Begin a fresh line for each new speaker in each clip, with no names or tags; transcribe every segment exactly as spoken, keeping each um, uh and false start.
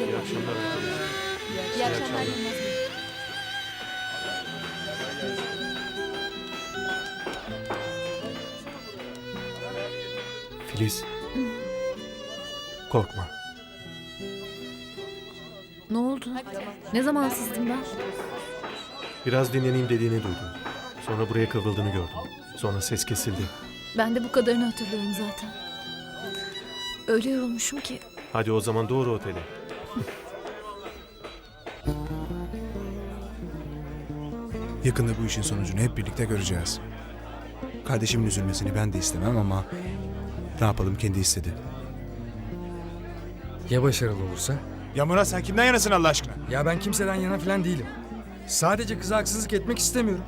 üzere.
İyi akşamlar arkadaşlar.
İyi akşamlar Yılmaz Bey.
Filiz. Korkma.
Ne oldu? Ne zaman sızdım ben?
Biraz dinleneyim dediğini duydum. Sonra buraya kıvrıldığını gördüm. Sonra ses kesildi.
Ben de bu kadarını hatırlıyorum zaten. Öyle yorulmuşum ki.
Hadi o zaman doğru otele.
Yakında bu işin sonucunu hep birlikte göreceğiz. Kardeşimin üzülmesini ben de istemem ama ne yapalım, kendi istedi.
Ya başarılı olursa?
Ya Murat, sen kimden yanasın Allah aşkına?
Ya ben kimseden yana falan değilim. Sadece kıza haksızlık etmek istemiyorum.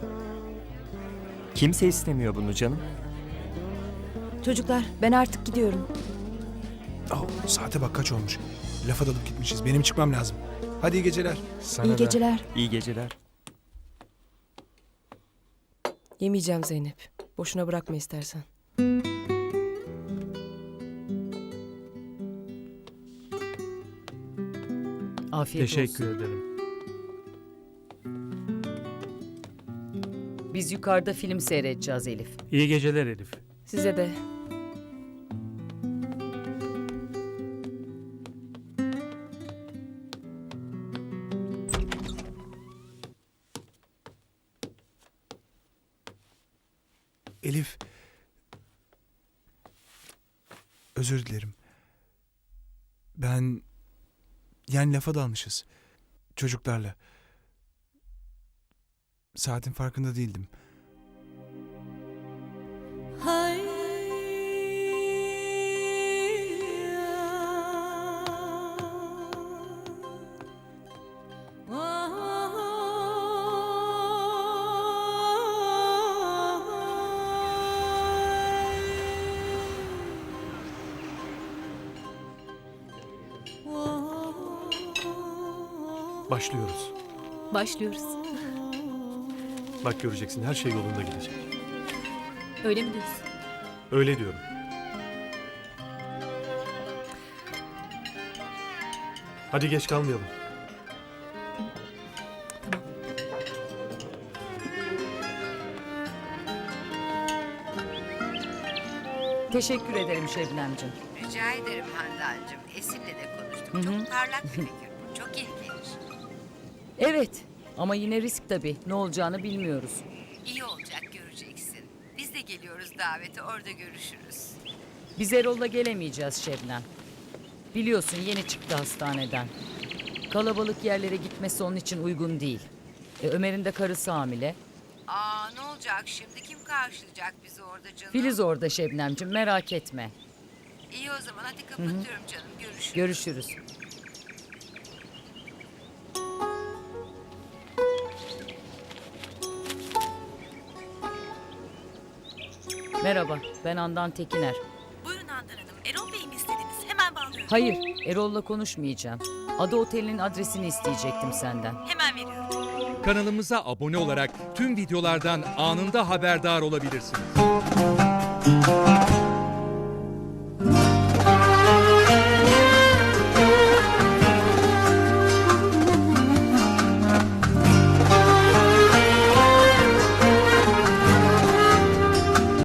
Kimse istemiyor bunu canım.
Çocuklar ben artık gidiyorum.
Oh, saate bak kaç olmuş. Lafa dalıp gitmişiz. Benim çıkmam lazım. Hadi iyi geceler.
Sana
İyi
da.
geceler.
İyi geceler.
Yemeyeceğim Zeynep. Boşuna bırakma istersen.
Afiyet
Teşekkür
olsun.
ederim.
Biz yukarıda film seyredeceğiz Elif.
İyi geceler Elif.
Size de.
Elif. Özür dilerim. Ben... Yani lafa dalmışız. Çocuklarla. Saatin farkında değildim.
Başlıyoruz.
Başlıyoruz.
Bak göreceksin, her şey yolunda gidecek.
Öyle mi diyorsun?
Öyle diyorum. Hadi geç kalmayalım.
Teşekkür ederim Şebnemciğim.
Rica ederim Handancığım. Esin'le de konuştuk.
Hı hı.
Çok parlak bir fikir bu. Çok iyi gelir.
Evet ama yine risk tabii. Ne olacağını bilmiyoruz.
İyi olacak, göreceksin. Biz de geliyoruz davete, orada görüşürüz.
Biz Erol'la gelemeyeceğiz Şebnem. Biliyorsun yeni çıktı hastaneden. Kalabalık yerlere gitmesi onun için uygun değil. E, Ömer'in de karısı hamile.
Aa, ne olacak şimdi? Kim karşılayacak bizi orada canım?
Filiz orada Şebnemciğim, merak etme.
İyi o zaman, hadi kapatıyorum canım. Görüşürüz.
Görüşürüz. Merhaba, ben Handan Tekiner.
Buyurun Handan Hanım. Erol Bey'i mi istediniz? Hemen bağlıyorum.
Hayır, Erol'la konuşmayacağım. Ada Oteli'nin adresini isteyecektim senden.
Hemen veriyorum.
Kanalımıza abone olarak tüm videolardan anında haberdar olabilirsiniz.